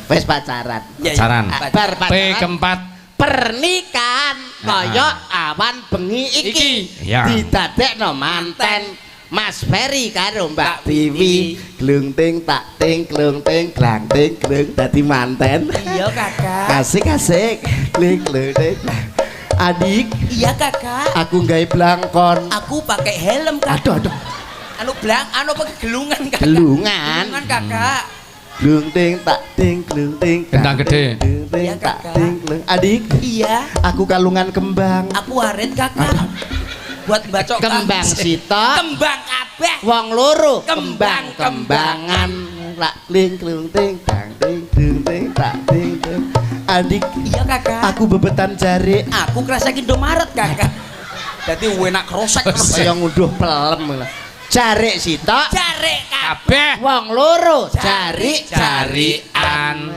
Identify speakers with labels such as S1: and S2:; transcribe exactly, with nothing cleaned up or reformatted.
S1: Wis pacaran.
S2: Pacaran.
S1: Bar
S2: P
S1: pacaran.
S2: keempat
S1: Pernikahan kaya awan bengi iki
S2: Iya.
S1: didadekno manten Mas Ferry karo Mbak Biwi glung ting tak ting glung ting glang ting glung dadi manten.
S3: Iya kakak.
S1: Asik-asik klik glung ting. Adik,
S3: Iya kakak.
S1: aku gawe blangkon.
S3: Aku pakai helm kakak.
S1: Aduh aduh.
S3: Anu belang, anu pakai gelungan kakak.
S1: Gelungan.
S3: Gelungan kakak.
S1: Glung ting tak ting glung ting.
S2: Gendang gede.
S1: Glung ting
S3: Iya,
S1: tak
S3: kakak.
S1: ting glung. Adik,
S3: Iya.
S1: aku kalungan kembang.
S3: Aku waret kakak. Buat bacok
S1: Kembang sita.
S3: Kembang kabeh.
S1: Wong loro
S3: Kembang,
S1: kembang-kembangan lak kling klung ting tang ting dung ting tak ting ting. Adik,
S3: Iya kakak.
S1: aku bebetan jari
S3: Aku kerasa Indomaret kakak. Jadi enak krosek
S1: kaya ngunduh pelem lah. Jari sita
S3: Cari kakak.
S2: kabeh
S1: wong loro jari
S2: carian